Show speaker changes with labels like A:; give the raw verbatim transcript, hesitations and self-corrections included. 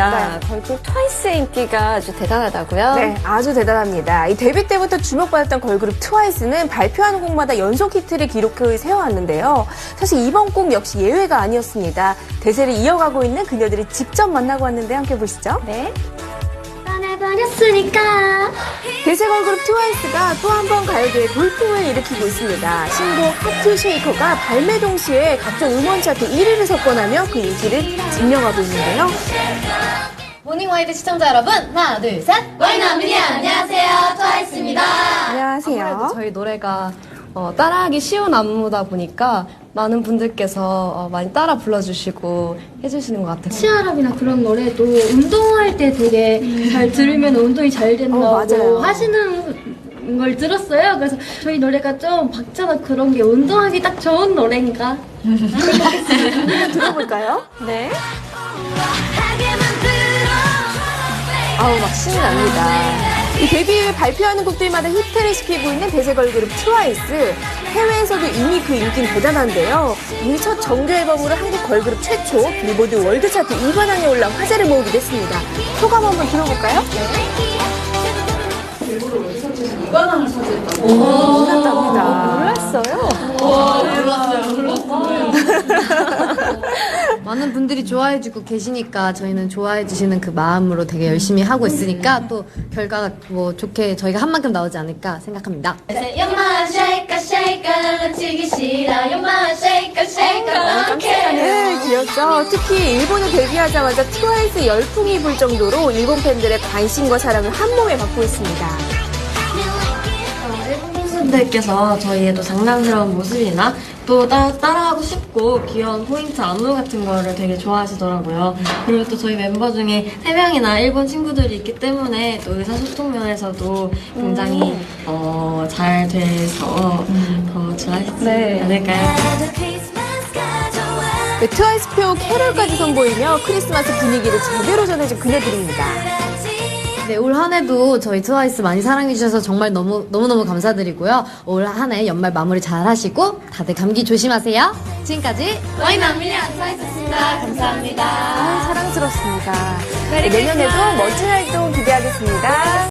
A: 맞습니다. 걸그룹 트와이스의 인기가 아주 대단하다고요?
B: 네, 아주 대단합니다. 이 데뷔 때부터 주목받았던 걸그룹 트와이스는 발표하는 곡마다 연속 히트를 기록해 세워왔는데요. 사실 이번 곡 역시 예외가 아니었습니다. 대세를 이어가고 있는 그녀들을 직접 만나고 왔는데 함께 보시죠.
A: 네.
C: 떠나버렸으니까.
B: 대세 걸그룹 트와이스가 또 한 번 가요계에 돌풍을 일으키고 있습니다. 신곡 하트 쉐이커가 발매 동시에 각종 음원 차트 일 위를 석권하며 그 인기를 증명하고 있는데요.
C: 모닝와이드 시청자 여러분, 하나, 둘, 셋. 와이나미니 안녕하세요. 트와이스입니다.
B: 안녕하세요.
D: 아무래도 저희 노래가 어, 따라하기 쉬운 안무다 보니까 많은 분들께서 어, 많이 따라 불러주시고 해주시는 것 같아요.
E: 치아랍이나 그런 노래도 운동할 때 되게 잘 들으면 운동이 잘 된다고
B: 어, 맞아요.
E: 하시는 걸 들었어요. 그래서 저희 노래가 좀 박자나 그런 게 운동하기 딱 좋은 노래인가
B: 들어볼까요?
A: 네. 아우, 막 신이 납니다.
B: 이 데뷔 이후에 발표하는 곡들마다 히트를 시키고 있는 대세 걸그룹 트와이스. 해외에서도 이미 그 인기는 대단한데요. 이미 첫 정규 앨범으로 한국 걸그룹 최초 빌보드 월드 차트 이 관왕에 올라 화제를 모으기도 했습니다. 소감 한번 들어볼까요? 빌보드 월드 차트에서 이 관왕을 차지했다고. 몰랐답니다.
A: 몰랐어요?
D: 몰랐어요, 몰랐어요. 많은 분들이 좋아해주고 계시니까 저희는 좋아해주시는 그 마음으로 되게 열심히 하고 있으니까 또 결과가 뭐 좋게 저희가 한 만큼 나오지 않을까 생각합니다.
C: 연마 쉐이커 쉐이커 놓치기 싫어. 연마 쉐이커 쉐이커
B: 네, 귀엽죠. 특히 일본에 데뷔하자마자 트와이스 열풍이 불 정도로 일본 팬들의 관심과 사랑을 한 몸에 받고 있습니다.
F: 일본 팬분들께서 저희의 또 장난스러운 모습이나 또 따, 따라하고 싶고 귀여운 포인트 안무 같은 거를 되게 좋아하시더라고요. 그리고 또 저희 멤버 중에 세 명이나 일본 친구들이 있기 때문에 또 의사소통 면에서도 굉장히 어, 잘 돼서 더 좋아하시지 않을까요?
B: 네, 트와이스표 캐럴까지 선보이며 크리스마스 분위기를 제대로 전해준 그녀들입니다.
D: 네, 올 한 해도 저희 트와이스 많이 사랑해주셔서 정말 너무, 너무너무 감사드리고요. 올 한 해 연말 마무리 잘 하시고 다들 감기 조심하세요. 지금까지
C: 와이나미니 트와이스였습니다. 감사합니다.
B: 아, 사랑스럽습니다. 네, 내년에도 멋진 활동 기대하겠습니다.